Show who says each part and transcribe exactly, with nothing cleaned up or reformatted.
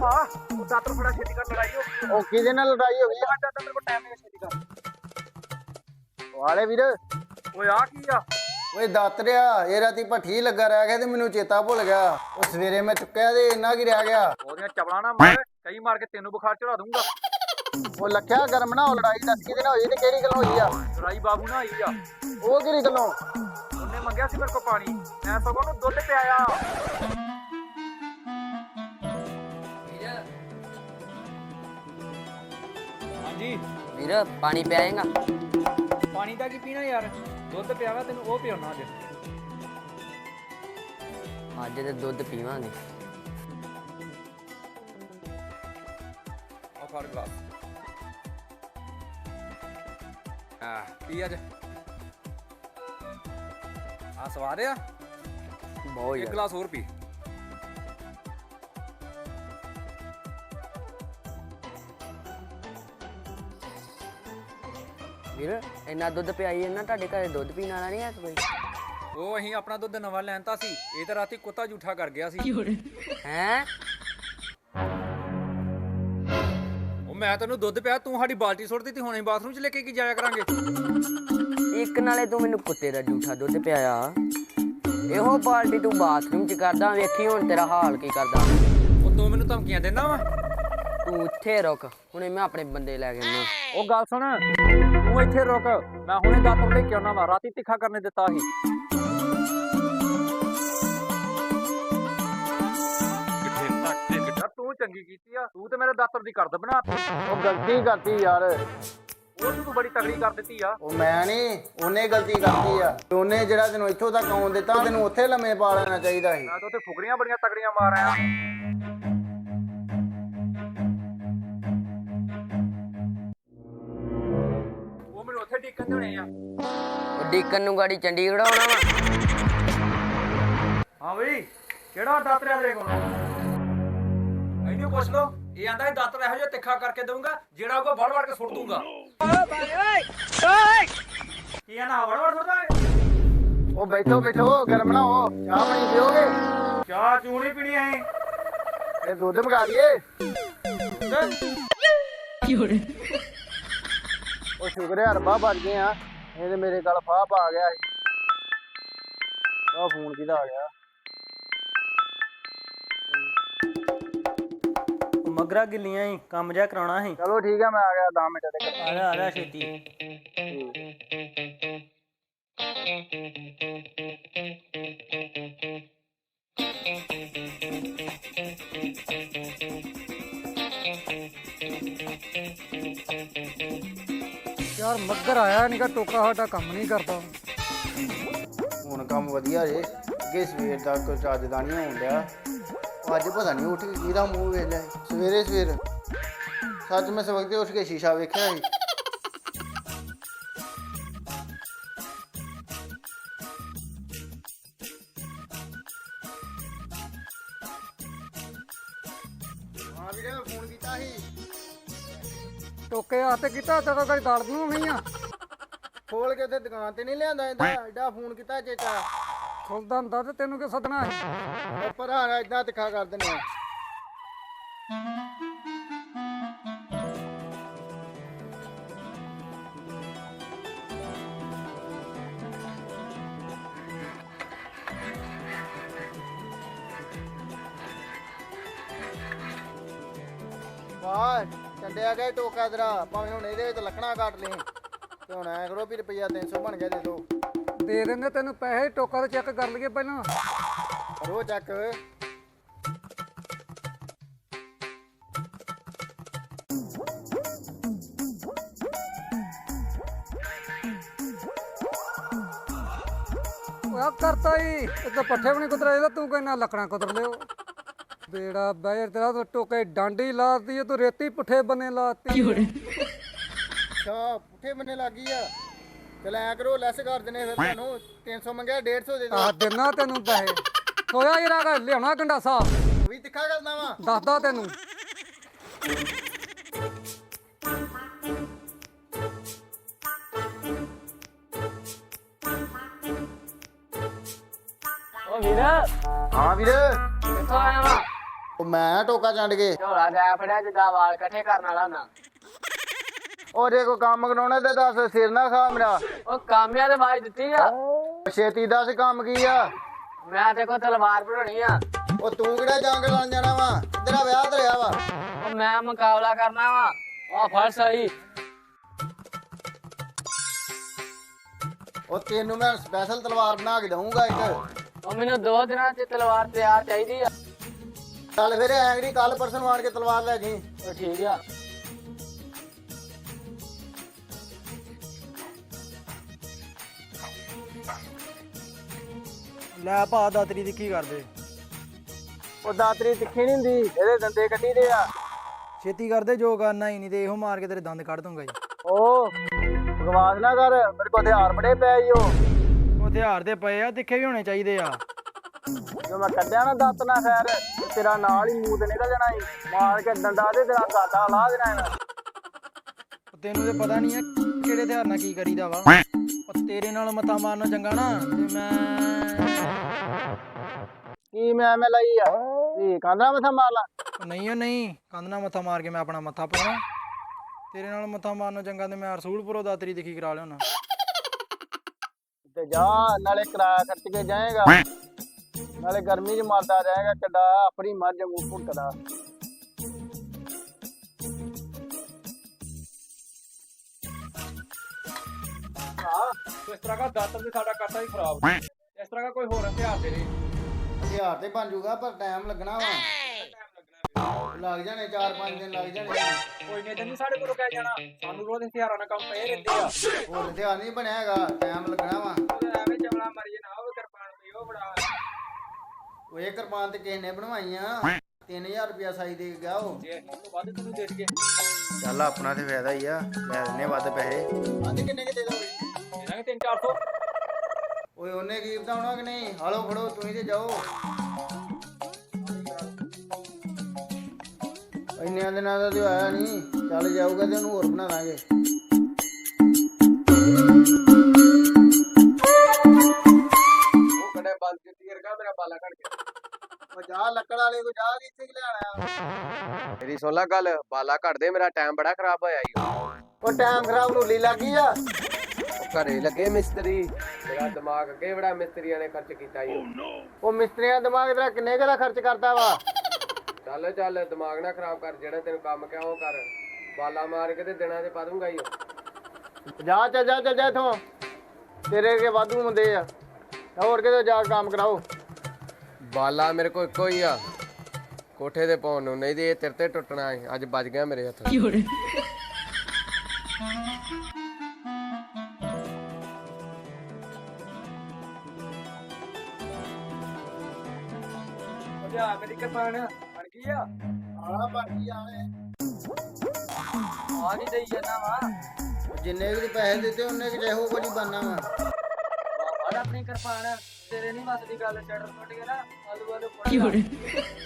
Speaker 1: ਭਰਾਵਾ ਉਹ ਦਾਤਰ ਫੜਾ ਛੇਤੀ ਕਰ ਲੜਾਈ ਹੋ ਗਈ।
Speaker 2: ਉਹ ਕਿਹਦੇ ਨਾਲ ਲੜਾਈ ਹੋ ਗਈ
Speaker 1: ਆ ਦਾਤਰ ਮੇਰੇ ਕੋਲ ਟਾਈਮ ਨਹੀਂ ਛੇਤੀ ਕਰ।
Speaker 2: ਵਾਲੇ ਵੀਰ
Speaker 1: ਓਏ ਆ ਕੀ ਆ?
Speaker 2: ਓਏ ਦਾਤਰਿਆ ਇਹ ਰਾਤੀ ਭੱਠੀ ਲੱਗਾ ਰਹਿ ਗਿਆ ਤੇ ਮੈਨੂੰ ਚੇਤਾ ਭੁੱਲ ਗਿਆ। ਉਹ ਸਵੇਰੇ ਮੈਂ ਚੁੱਕਿਆ ਤੇ ਇੰਨਾ ਕੀ ਰਹਿ ਗਿਆ।
Speaker 1: ਉਹਦੀਆਂ ਚਪਲਾਂ ਨਾ ਮਾਰ, ਕਈ ਮਾਰ ਕੇ ਤੈਨੂੰ ਬੁਖਾਰ ਚੜਾ ਦੂੰਗਾ।
Speaker 2: ਉਹ ਲੱਖਿਆ ਗਰਮ ਨਾ ਹੋ ਲੜਾਈ ਦੱਸ ਕਿਹਦੇ ਨਾਲ ਹੋਈ ਤੇ ਕਿਹੜੀ ਗੱਲੋਂ ਹੋਈ ਆ?
Speaker 1: ਲੜਾਈ ਬਾਬੂ ਨਾਲ ਆਈ ਆ।
Speaker 2: ਉਹ ਕਿਹੜੀ ਗੱਲੋਂ?
Speaker 1: ਉਹਨੇ ਮੰਗਿਆ ਸੀ ਮੇਰੇ ਕੋਲ ਪਾਣੀ, ਮੈਂ ਸਗੋਂ ਉਹਨੂੰ ਦੁੱਧ ਪਿਆਇਆ। ਹਾਂਜੀ
Speaker 3: ਵੀਰ ਪਾਣੀ ਪਿਆਏਗਾ?
Speaker 1: ਪਾਣੀ ਦਾ ਕੀ ਪੀਣਾ ਯਾਰ, ਦੁੱਧ ਪਿਆਵਾ ਤੈਨੂੰ ਉਹ ਪਿਆਉਣਾ ਅੱਜ।
Speaker 3: ਅੱਜ ਤੇ ਦੁੱਧ ਪੀਵਾਂਗੇ।
Speaker 1: ਆ ਫੜ ਗਲਾਸ। ਆ ਪੀ ਅੱਜ। ਆ ਸਵਾਦ ਆ
Speaker 3: ਬਹੁਤ
Speaker 1: ਇੱਕ
Speaker 3: ਯਾਰ।
Speaker 1: ਗਲਾਸ ਹੋਰ ਪੀ।
Speaker 3: ਵੀਰ ਇੰਨਾ ਦੁੱਧ ਪਿਆਈ ਇਹਨਾਂ ਤੁਹਾਡੇ ਘਰੇ ਦੁੱਧ ਪੀਣ ਵਾਲਾ ਨਹੀਂ ਹੈ ਕੋਈ?
Speaker 1: ਉਹ ਅਸੀਂ ਆਪਣਾ ਦੁੱਧ ਨਵਾਂ ਲੈਣਤਾ ਸੀ, ਇਹ ਤਾਂ ਰਾਤੀ ਕੁੱਤਾ ਝੂਠਾ ਕਰ ਗਿਆ ਸੀ।
Speaker 3: ਹੈਂ?
Speaker 1: ਉਹ ਮੈਂ ਤੈਨੂੰ ਦੁੱਧ ਪਿਆ, ਤੂੰ ਸਾਡੀ ਬਾਲਟੀ ਸੁੱਟ ਦਿੱਤੀ, ਹੁਣੇ ਬਾਥਰੂਮ 'ਚ ਲੈ ਕੇ ਕੀ ਜਾਇਆ ਕਰਾਂਗੇ।
Speaker 3: ਇੱਕ ਨਾਲੇ ਤੂੰ ਮੈਨੂੰ ਕੁੱਤੇ ਦਾ ਝੂਠਾ ਦੁੱਧ ਪਿਆਇਆ, ਇਹੋ ਬਾਲਟੀ ਤੂੰ ਬਾਥਰੂਮ 'ਚ ਕਰਦਾ, ਵੇਖੀ ਹੁਣ ਤੇਰਾ ਹਾਲ ਕੀ ਕਰਦਾ।
Speaker 1: ਉਹ ਤੂੰ ਮੈਨੂੰ ਧਮਕੀਆਂ ਦਿੰਦਾ ਵਾ।
Speaker 3: ਤੂੰ ਇੱਥੇ ਰੁਕ, ਹੁਣੇ ਮੈਂ ਆਪਣੇ ਬੰਦੇ ਲੈ ਕੇ ਆਉਣਾ।
Speaker 1: ਉਹ ਗੱਲ ਸੁਣ, ਤੂੰ ਇੱਥੇ ਰੁਕ, ਮੈਂ ਹੁਣੇ ਦਾਤਰ ਲੈ ਕੇ ਆਉਣਾ ਵਾ, ਰਾਤੀ ਤਿੱਖਾ ਕਰਨੇ ਦਿੱਤਾ ਸੀ। ਤੂੰ ਚੰਗੀ ਕੀਤੀ ਆ, ਤੂੰ ਤੇ ਮੇਰੇ ਦਾਤਰ ਦੀ ਕਰਦ ਬਣਾਤੀ।
Speaker 2: ਉਹ ਗਲਤੀ ਕਰਤੀ ਯਾਰ।
Speaker 1: ਉਹ ਤੂੰ ਬੜੀ ਤਗੜੀ ਕਰ ਦਿੱਤੀ ਆ।
Speaker 2: ਉਹ ਮੈਂ ਨਹੀਂ, ਉਹਨੇ ਗਲਤੀ ਕਰਤੀ ਆ। ਉਹਨੇ ਜਿਹੜਾ ਤੈਨੂੰ ਇੱਥੋਂ ਤੱਕ ਆਉਣ ਦਿੱਤਾ ਤੈਨੂੰ ਉੱਥੇ ਲੰਮੇ ਪਾ ਲੈਣਾ ਚਾਹੀਦਾ ਸੀ।
Speaker 1: ਮੈਂ ਤਾਂ ਉੱਥੇ ਫੁਕਰੀਆਂ ਬੜੀਆਂ ਤਗੜੀਆਂ ਮਾਰ ਆਇਆ। ਉਹ ਮੈਨੂੰ ਉੱਥੇ ਡਿੱਕਣ ਦੇਣੇ ਆ।
Speaker 3: ਉਹ ਡੀਕਨ ਨੂੰ ਗਾੜੀ ਚੰਡੀਗੜ੍ਹ ਆਉਣਾ ਵਾ।
Speaker 1: ਹਾਂ ਬਈ, ਕਿਹੜਾ ਦਾਤਰ ਆ ਤੇਰੇ ਕੋਲ? ਇਹਨੂੰ ਪੁੱਛ ਲੋ, ਇਹ ਆਂਦਾ ਇਹ ਦਾਤਰ ਇਹੋ ਜਿਹਾ ਤਿੱਖਾ ਕਰਕੇ ਦਊਂਗਾ ਜਿਹੜਾ ਉਹ ਵੜ ਵੜ ਕੇ ਸੁੱਟ ਦੂੰਗਾ। ਓਏ ਭਾਈ ਓਏ ਓਏ, ਕੀ ਆਂਦਾ ਵੜ ਵੜ ਸੁੱਟਦਾ ਏ?
Speaker 2: ਉਹ ਬੈਠੋ ਬੈਠੋ, ਗਰਮ ਨਾ ਹੋ, ਚਾਹ ਪਾਣੀ ਪੀਓਗੇ?
Speaker 1: ਚਾਹ ਚੂਹ ਨਹੀਂ ਪੀਣੀ ਐ।
Speaker 2: ਇਹ ਦੁੱਧ ਮੰਗਾ ਲਈਏ। ਉਹ ਸ਼ੁਕਰ ਹੈ ਰੱਬਾ ਬਚ ਗਏ ਆ, ਇਹ ਤੇ ਮੇਰੇ ਗੱਲ ਫਾਹ ਪਾ ਗਿਆ ਸੀ। ਆਹ ਫੋਨ ਕਿਹਦਾ ਆ ਗਿਆ?
Speaker 4: ਮਗਰਾ ਗਿੱਲੀਆਂ ਹੀ ਕੰਮ ਜਿਹਾ ਕਰਾਉਣਾ ਸੀ।
Speaker 2: ਚਲੋ ਠੀਕ ਹੈ, ਮੈਂ ਆ ਗਿਆ ਦਸ ਮਿੰਟ ਤੱਕ।
Speaker 4: ਆ ਜਾ ਆ ਜਾ ਛੇਤੀ।
Speaker 5: ਯਾਰ ਮੱਗਰ ਆਇਆ ਨੀਗਾ, ਟੋਕਾ ਸਾਡਾ ਕੰਮ ਨਹੀਂ ਕਰਦਾ।
Speaker 2: ਹੁਣ ਕੰਮ ਵਧੀਆ ਜੇ, ਅੱਗੇ ਸਵੇਰ ਦਾ ਕੋਈ ਚੱਜਦਾ ਨਹੀਂ ਹੋਣ ਡਿਆ। ਅੱਜ ਪਤਾ ਨਹੀਂ ਉੱਠ ਕੇ ਕਿਹਦਾ ਮੂੰਹ ਵੇਖ ਲਿਆ ਸੀ। ਸਵੇਰੇ ਸਵੇਰ ਸੱਚ ਮੈਂ ਸਵਖਤੇ ਉੱਠ ਕੇ ਸ਼ੀਸ਼ਾ ਵੇਖਿਆ ਸੀ। ਹਾਂ ਵੀਰੇ ਮੈਂ ਫੋਨ ਕੀਤਾ ਸੀ।
Speaker 5: ਟੋਕੇ ਹੱਥ ਕੀਤਾ ਤਦੋਂ ਕਦੀ ਦਰਦ ਨੂੰ ਨਹੀਂ ਆ।
Speaker 2: ਖੋਲ ਕੇ ਤੇ ਦੁਕਾਨ ਤੇ ਨਹੀਂ ਲਿਆਂਦਾ ਇਹਦਾ, ਐਡਾ ਫੋਨ ਕੀਤਾ ਚੇਚਾ।
Speaker 5: ਖੁੱਲਦਾ ਹੁੰਦਾ ਤੇ ਤੈਨੂੰ ਕਿ ਸੱਦਣਾ ਸੀ।
Speaker 2: ਉਹ ਭਰਾ ਏਦਾਂ ਤਿੱਖਾ ਕਰ ਦਿੰਦੇ ਆ। ਵਾਹ ਚੰਡਿਆ ਗਿਆ ਟੋਕਾ ਤੇਰਾ, ਭਾਵੇਂ ਹੁਣ ਇਹਦੇ ਵਿੱਚ ਲੱਕੜਾਂ ਕੱਟ ਲਈ ਤੇ ਹੁਣ ਐ ਕਰੋ ਵੀ ਰੁਪਈਆ ਤਿੰਨ ਸੌ ਬਣ ਗਿਆ, ਦੇ ਦੋ।
Speaker 5: ਦੇ ਦਿੰਦੇ ਤੈਨੂੰ ਪੈਸੇ, ਟੋਕਾ ਤੇ ਚੈੱਕ ਕਰ ਲਈਏ ਪਹਿਲਾਂ।
Speaker 2: ਕਰੋ ਚੱਕ।
Speaker 5: ਉਹ ਕਰਤਾ ਹੀ ਇਹ ਤਾਂ ਪੱਠੇ ਵੀ ਨਹੀਂ ਕੁਤਰਾ, ਇਹਦਾ ਤੂੰ ਕਹਿੰਦਾ ਲੱਕੜਾਂ ਕੁਤਰ ਲਿਓ। ਬੇੜਾ ਬੈਰ ਤੇਰਾ ਤਾਂ ਟੋਕੇ ਡਾਂਡੀ ਲਾਤੀ, ਤੂੰ ਰੇਤੀ ਪੁੱਠੇ ਬੰਨੇ ਲਾਤੀ।
Speaker 2: ਅੱਛਾ ਪੁੱਠੇ ਬੰਨੇ ਲੱਗੀ ਆ। ਚਲ ਐ ਕਰੋ ਲੈਸ ਕਰ ਦਿੰਦੇ ਫਿਰ, ਤੁਹਾਨੂੰ ਤਿੰਨ ਸੌ ਮੰਗਿਆ ਡੇਢ ਸੌ ਦੇ
Speaker 5: ਆ
Speaker 2: ਦੋ।
Speaker 5: ਦੇਣਾ ਤੈਨੂੰ ਪੈਸੇ। ਹੋਇਆ ਜਰਾ ਲਿਆਉਣਾ ਗੰਡਾਸਾ,
Speaker 2: ਵੀ ਤਿੱਖਾ ਕਰਦਾ ਵਾ।
Speaker 5: ਦੱਸਦਾ ਤੈਨੂੰ।
Speaker 3: ਉਹ ਵੀਰ
Speaker 2: ਹਾਂ ਵੀਰ
Speaker 3: ਕਿੱਥੋਂ ਆਇਆ ਵਾ?
Speaker 2: ਉਹ ਮੈਂ ਟੋਕਾ ਚੰਡ ਕੇ
Speaker 3: ਝੋਲਾ ਗਾਇਆ ਫੜਿਆ ਜਿੱਦਾਂ ਵਾਲ ਇਕੱਠੇ ਕਰਨ ਵਾਲਾ ਨਾ।
Speaker 2: ਉਹ ਜੇ ਕੋਈ ਕੰਮ ਕਰਾਉਣਾ ਤੇ ਦੱਸ, ਸਿਰ ਨਾ ਖਾ ਮੇਰਾ।
Speaker 3: ਉਹ ਕਾਮਿਆਂ ਦੇ ਆਵਾਜ਼ ਦਿੱਤੀ ਆ।
Speaker 2: ਛੇਤੀ ਦੱਸ ਕੰਮ ਕੀ ਆ।
Speaker 3: ਮੈਂ ਤੇ ਕੋ ਤਲਵਾਰ ਬਣਾਉਣੀ ਆ।
Speaker 2: ਉਹ ਤੂੰ ਕਿਹੜਾ ਜੰਗ ਲੜਨ ਜਾਣਾ ਵਾ? ਤੇਰਾ ਵਿਆਹ ਧਰਿਆ ਵਾ।
Speaker 3: ਉਹ ਮੈਂ ਮੁਕਾਬਲਾ ਕਰਨਾ ਵਾ। ਉਹ ਫੜ ਸਹੀ।
Speaker 2: ਉਹ ਤੈਨੂੰ ਮੈਂ ਸਪੈਸ਼ਲ ਤਲਵਾਰ ਬਣਾ ਕੇ ਦਊਂਗਾ ਇੱਕ।
Speaker 3: ਉਹ ਮੈਨੂੰ ਦੋ ਦਿਨਾਂ ਚ ਤਲਵਾਰ ਤਿਆਰ ਚਾਹੀਦੀ ਆ।
Speaker 2: ਚੱਲ ਫਿਰ ਐਂਗਰੀ ਕੱਲ ਪਰਸੋਂ ਨੂੰ ਆਣ ਕੇ ਤਲਵਾਰ ਲੈ ਜੀ।
Speaker 3: ਉਹ ਠੀਕ ਆ।
Speaker 4: ਲੈ ਭਾ ਦਾਤਰੀ ਦੀ ਕੀ ਕਰਦੇ?
Speaker 2: ਉਹ ਦਾਤਰੀ ਤਿੱਖੀ ਨਹੀਂ ਹੁੰਦੀ, ਇਹਦੇ ਦੰਦੇ ਕੱਢੀ ਦੇ ਆ।
Speaker 4: ਛੇਤੀ ਕਰਦੇ, ਜੋ ਕਰਨਾ ਹੀ ਨਹੀਂ ਤੇ ਇਹੋ ਮਾਰ ਕੇ ਤੇਰੇ ਦੰਦ ਕੱਢ ਦੂੰਗਾ ਜੀ।
Speaker 2: ਉਹ ਬਕਵਾਸ ਨਾ ਕਰ, ਮੇਰੇ ਕੋਲ ਹਥਿਆਰ ਬੜੇ ਪਏ ਈ। ਉਹ
Speaker 4: ਉਹ ਹਥਿਆਰ ਦੇ ਪਏ ਆ, ਤਿੱਖੇ ਵੀ ਹੋਣੇ ਚਾਹੀਦੇ ਆ।
Speaker 2: ਜੋ ਮੈਂ ਕੱਢਿਆ ਨਾ ਦੱਤ ਨਾ ਖੈਰ, ਤੇ ਤੇਰਾ ਨਾਲ ਹੀ ਮੂੰਹ ਤੇ ਨਿਕਲ ਜਾਣਾ ਈ। ਮਾਰ ਕੇ ਡੰਡਾ ਤੇ ਤੇਰਾ ਗਾਟਾ ਲਾ ਦੇਣਾ ਇਹਨਾਂ।
Speaker 4: ਤੈਨੂੰ ਤੇ ਪਤਾ ਨਹੀਂ ਆ ਕਿਹੜੇ ਹਥਿਆਰ ਨਾਲ ਕੀ ਕਰੀਦਾ ਵਾ। ਉਹ ਤੇਰੇ ਨਾਲ ਮੱਥਾ ਮਾਰਨਾ ਚੰਗਾ ਨਾ ਤੇ ਮੈਂ
Speaker 2: ਕੀ ਮੈਂ ਮੈਂ ਲਈ ਆ ਕੀ ਕਾਂਦਰਾ ਮੱਥਾ ਮਾਰ ਲਾ।
Speaker 4: ਉਹ ਨਹੀਂ ਉਹ ਨਹੀਂ ਕੰਧ ਨਾਲ ਮੱਥਾ ਮਾਰ ਕੇ ਮੈਂ ਆਪਣਾ ਮੱਥਾ ਪਾਉਣਾ। ਤੇਰੇ ਨਾਲ ਮੱਥਾ ਮਾਰਨਾ ਚੰਗਾ ਤੇ ਮੈਂ ਰਸੂਲਪੁਰੋਂ ਦਾਤਰੀ ਦਿਖੀ ਕਰਾ ਲਿਆਉਣਾ।
Speaker 2: ਤੇ ਜਾ ਨਾਲੇ ਕਿਰਾਇਆ ਖਰਚ ਕੇ ਜਾਏਗਾ, ਨਾਲੇ ਗਰਮੀ ਚ ਮਰਦਾ ਜਾਏਗਾ। ਕਿੱਡਾ ਆਪਣੀ ਮੱਝ ਮੂੰਹ ਭੁੱਟਦਾ।
Speaker 1: ਇਸ ਤਰ੍ਹਾਂ ਦਾ ਦਾਤਰ ਵੀ ਸਾਡਾ ਕਰਤਾ ਹੀ ਖਰਾਬ। ਇਸ ਤਰ੍ਹਾਂ ਦਾ ਕੋਈ ਹੋਰ ਹਥਿਆਰ ਦੇ ਦੇ।
Speaker 2: ਹਥਿਆਰ ਤੇ ਬਣ ਜੂਗਾ ਪਰ ਟਾਈਮ ਲੱਗਣਾ ਵਾ। ਲੱਗ ਜਾਣੇ ਚਾਰ ਪੰਜ ਦਿਨ ਲੱਗ ਜਾਣੇ।
Speaker 1: ਕੋਈ ਨਹੀਂ ਦਿਨ ਸਾਡੇ ਕੋਲੋਂ ਕਹਿ ਜਾਣਾ, ਸਾਨੂੰ ਰੋਜ਼ ਹਥਿਆਰਾਂ ਨਾਲ ਕੰਮ ਪਏ ਰਹਿੰਦੇ ਆ।
Speaker 2: ਹੋਰ ਹਥਿਆਰ ਨਹੀਂ ਬਣਿਆ ਹੈਗਾ, ਟਾਈਮ ਲੱਗਣਾ ਵਾ।
Speaker 1: ਐਵੇਂ ਚਵਲਾ ਮਰੀ ਜੇ ਨਾ ਉਹ ਕਿਰਪਾਨ ਪਈ ਉਹ ਬੜਾ।
Speaker 2: ਉਹ ਇਹ ਕਿਰਪਾਨ ਤੇ ਕਿਸੇ ਨੇ ਬਣਵਾਈਆਂ, ਤਿੰਨ ਹਜ਼ਾਰ ਰੁਪਇਆ ਸਾਈ ਦੇ ਕੇ ਗਿਆ ਉਹ।
Speaker 1: ਜੇ ਉਸ ਤੋਂ ਵੱਧ ਤੈਨੂੰ ਦੇ ਦਈਏ।
Speaker 2: ਚੱਲ ਆਪਣਾ ਤੇ ਫਾਇਦਾ ਹੀ ਆ, ਲੈ ਦਿੰਨੇ ਵੱਧ ਪੈਸੇ। ਅੱਜ ਕਿੰਨੇ ਕਿ ਦੇ ਦੋਗੇ?
Speaker 1: ਇਹਨਾਂ ਤਿੰਨ ਚਾਰ ਸੌ।
Speaker 2: ਓਏ ਉਹਨੇ ਕੀ ਬਤਾਉਣਾ ਕਿ ਨਹੀਂ? ਹਾਲੋ ਫੜੋ ਤੁਸੀਂ ਤੇ ਜਾਓ। ਇੰਨਿਆਂ ਦਿਨਾਂ ਦਾ ਤੇ ਆਇਆ ਨਹੀਂ, ਚੱਲ ਜਾਊਗਾ ਤੇ ਉਹਨੂੰ ਹੋਰ ਬਣਾ ਦਾਂਗੇ।
Speaker 1: ਉਹ ਕਦੇ ਬੰਦ ਕੀਤੀ ਰਗਾ ਮੇਰਾ ਬਾਲਾ ਕੱਢ ਕੇ।
Speaker 2: ਉਹ ਜਾ ਲੱਕੜ ਵਾਲੇ ਕੋ ਜਾ, ਇੱਥੇ ਕਿ ਲੈਣਾ?
Speaker 6: ਮੇਰੀ ਸੁਣ ਲੈ ਗੱਲ, ਬਾਲਾ ਘੱਟ ਦੇ, ਮੇਰਾ ਟਾਈਮ ਬੜਾ ਖਰਾਬ ਹੋਇਆ ਈ।
Speaker 2: ਉਹ ਟਾਈਮ ਖਰਾਬ ਨੂਲੀ ਲੱਗੀ ਆ।
Speaker 6: ਉਹ ਘਰੇ ਲੱਗੇ ਮਿਸਤਰੀ, ਮੇਰਾ ਦਿਮਾਗ ਅੱਗੇ ਬੜਾ ਮਿਸਤਰੀਆਂ ਨੇ ਖਰਚ ਕੀਤਾ ਈ।
Speaker 2: ਉਹ ਮਿਸਤਰੀਆਂ ਦਿਮਾਗ ਤੇਰਾ ਕਿੰਨੇ ਕੁ ਦਾ ਖਰਚ ਕਰਦਾ ਵਾ?
Speaker 6: ਚੱਲ ਚੱਲ ਦਿਮਾਗ ਨਾ ਖਰਾਬ ਕਰ, ਜਿਹੜਾ ਤੈਨੂੰ ਕੰਮ ਕਿਹਾ ਉਹ ਕਰ। ਬਾਲਾ ਮਾਰ ਕੇ ਤੇ ਦਿਨਾਂ ਤੇ ਪਾ ਦੂੰਗਾ ਈ।
Speaker 2: ਜਾ ਚੱਲ ਜਾ ਚੱਲ ਜਾ ਇੱਥੋਂ, ਤੇਰੇ ਕੇ ਵਾਧੂ ਹੁੰਦੇ ਆ। ਹੋਰ ਕਿਤੇ ਜਾ ਕੇ ਕੰਮ ਕਰਾਓ।
Speaker 6: ਬਾਲਾ ਮੇਰੇ ਕੋਲ ਇੱਕੋ ਹੀ ਆ, ਕੋਠੇ ਤੇ ਪਾਉਣ ਨੂੰ, ਨਹੀਂ ਤੇ ਇਹ ਤੇਰੇ ਤੇ ਟੁੱਟਣਾ ਏ। ਅੱਜ ਵੱਜ ਗਿਆ ਮੇਰੇ ਹੱਥ।
Speaker 1: ਜਾ ਮੇਰੀ ਕਿਰਪਾਨ ਬਣ ਗਈ ਆ।
Speaker 2: ਆਹ ਬਾਕੀ ਆਏ
Speaker 3: ਆ ਨਹੀਂ ਦੇਈ ਜਾਣਾ ਵਾ।
Speaker 2: ਜਿੰਨੇ ਕੁ ਪੈਸੇ ਦਿੱਤੇ ਉਹਨੇ ਕਿ ਜਿਹੋ ਕੁਝ ਬਣਨਾ ਵਾ।
Speaker 3: ਫੜ ਆਪਣੀ ਕਿਰਪਾਨ, ਤੇਰੇ ਨਹੀਂ ਮੱਤ ਦੀ ਗੱਲ। ਸ਼ਟਰ ਟੁੱਟ ਗਿਆ ਨਾ, ਆਲੂ ਆਲੂ